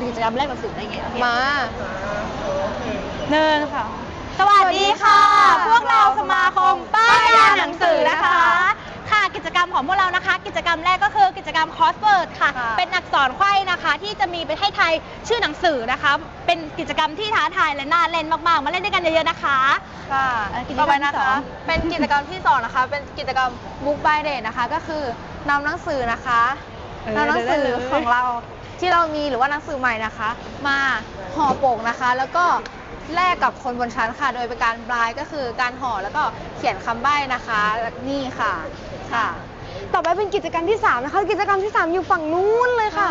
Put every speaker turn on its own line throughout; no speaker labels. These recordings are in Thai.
กิจกรรมแลกหนังสือได้ไง
มา
เนินค่ะสวัสดีค่ะ พวกเราสมาคมป้ายยาหนังสือนะคะค่ะกิจกรรมของพวกเรานะคะ กิจกรรมแรกก็คือกิจกรรมคอสเวิร์ดค่ะเป็นอักษรไขว้นะคะที่จะมีไปให้ทายชื่อหนังสือนะคะเป็นกิจกรรมที่ท้าทายและน่าเล่นมากๆมาเล่นด้วยกันเยอะๆนะคะ
ค่ะต่อไปนะคะเป็นกิจกรรมที่2นะคะเป็นกิจกรรม Book by Date นะคะก็คือนำหนังสือนะคะนำหนังสือของเราที่เรามีหรือว่าหนังสือใหม่นะคะ มาห่อปกนะคะ แล้วก็แลกกับคนบนชั้นค่ะ โดยเป็นการบลายก็คือการห่อแล้วก็เขียนคำใบ้นะคะนี่ค่ะค่ะต่อไปเป็นกิจกรรมที่3นะคะกิจกรรมที่3อยู่ฝั่งนู้นเลยค่ะ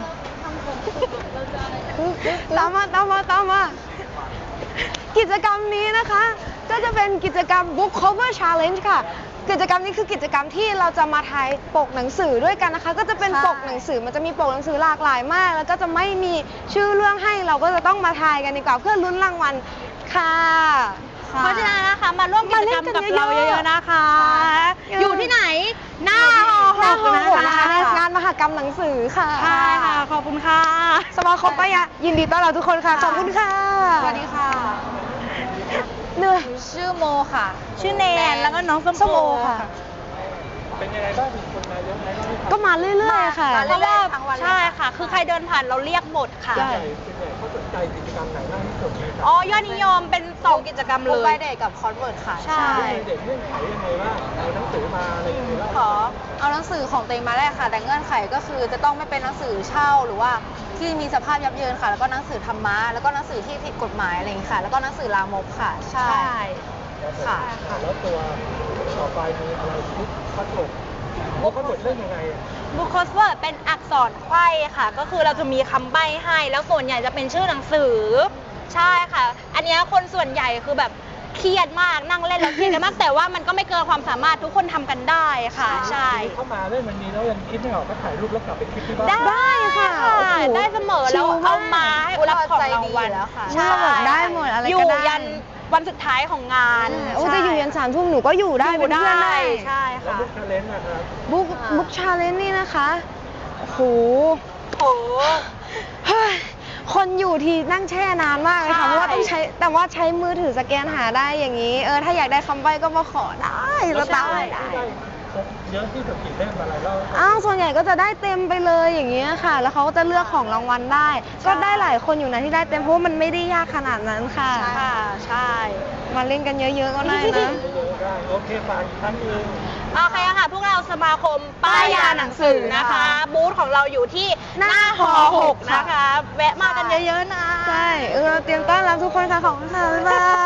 ตามมากิจกรรมนี้นะคะก็จะเป็นกิจกรรม Book Cover Challenge ค่ะกิจกรรมนี้คือกิจกรรมที่เราจะมาทายปกหนังสือด้วยกันนะคะก็จะเป็นปกหนังสือมันจะมีปกหนังสือหลากหลายมากแล้วก็จะไม่มีชื่อเรื่องให้เราก็จะต้องมาทายกันดีกว่าเพื่อลุ้นรางวัลค่ะ
เพราะฉะนั้นนะคะมาร่วมกิจกรรมกับเราเยอะๆนะคะอยู่ที่ไหนหน้าหอ
นะคะในงานมหกรรมหนังสือค่ะ
ใช่ค่ะขอบคุณค่ะ
สมาคมป้ายยายินดีต้อนรับทุกคนค่ะขอบคุณค่ะสวัสดีค่ะเหนื่อยชื่อโมค่ะ
ชื่อเนนแล้วก็น้องส้มโอค่ะ
เป็นยังไงบ้างมีคนมาเยอะไหม
ก็มาเรื่อยๆค่ะ
เพราะว่าใช่ค่ะคือใครเดินผ่านเราเรียกหมดค่ะ
ส่วนใหญ่เขาสนใจกิจกรรมไหนมากที่สุดไหมครับ
ยอดนิยมเป็น2กิจกรรมเลย
Book by Date กับ Crossword ค่ะ
ใช่
เด็กเงื่อนไขยังไงบ้างเอาหนังสือมาอะไรยังไงบ้าง
ขอเอาหนังสือของตัวเองมาแลกค่ะแต่เงื่อนไขก็คือจะต้องไม่เป็นหนังสือเช่าหรือว่าที่มีสภาพยับเยินค่ะแล้วก็หนังสือธรรมะแล้วก็หนังสือที่ผิดกฎหมายอะไรอย่างนี้ค่ะแล้วก็หนังสือลามกค่ะใช่
ค่ะแล้วตัวต่อไปมีอะไรที่พัดหลบเขาหมดเรื่องยังไง
บุ๊คคอสเวิร์ดเป็นอักษรไขว้ค่ะก็คือเราจะมีคำใบ้ให้แล้วส่วนใหญ่จะเป็นชื่อหนังสือใช่ค่ะอันนี้คนส่วนใหญ่คือแบบเครียดมากนั่งเล่นแล้วเครียดกันมากแต่ว่ามันก็ไม่เกินความสามารถทุกคนทำกันได้ค่ะใช่
เข้ามาเล่นวันนี้แล้วยังคิดไม่ออกก็ถ่ายรูปแล้วกลับไปคิดที่บ้าน
ได้ค่ะได้เสมอแล้วเอามาให้รับของรางวัล
ใช่ได้หมดอะไรก็ได้
อยู่ยันวันสุดท้ายของงาน
จะอยู่ยัน3 ทุ่มหนูก็อยู่ได้เป็นเพื่อนได้
ใช่ค่ะ
บุ๊กชาเลนจ์นะครับ
บุ๊กชาเลนจ์นี่นะคะโหคนอยู่ทีนั่งแช่นานมากเลยค่ะเพราะว่าต้องใช้แต่ว่าใช้มือถือสแกนหาได้อย่างนี้ถ้าอยากได้คำใบ้ก็มาขอได้สตาร์ทได้
เยอะที่สุดกี่เล่มอะไรเล่า
ส่วนใหญ่ก็จะได้เต็มไปเลยอย่างเงี้ยค่ะแล้วเขาก็จะเลือกของรางวัลได้ก็ได้หลายคนอยู่นะที่ได้เต็มเพราะมันไม่ได้ยากขนาดนั้นค่ะ
ใช่
มาเล่นกันเยอะๆก็ได้นะ
โอเคฝากท่านอื่น
โอเคค่ะพวกเราสมาคมป้ายยาหนังสือนะคะบูธของเราอยู่ที่หน้าหอ6นะคะแวะมากันเยอะๆนะ
ใช่เตรียมต้อนรับทุกคนค่ะขอบคุณค่ะบ๊ายบาย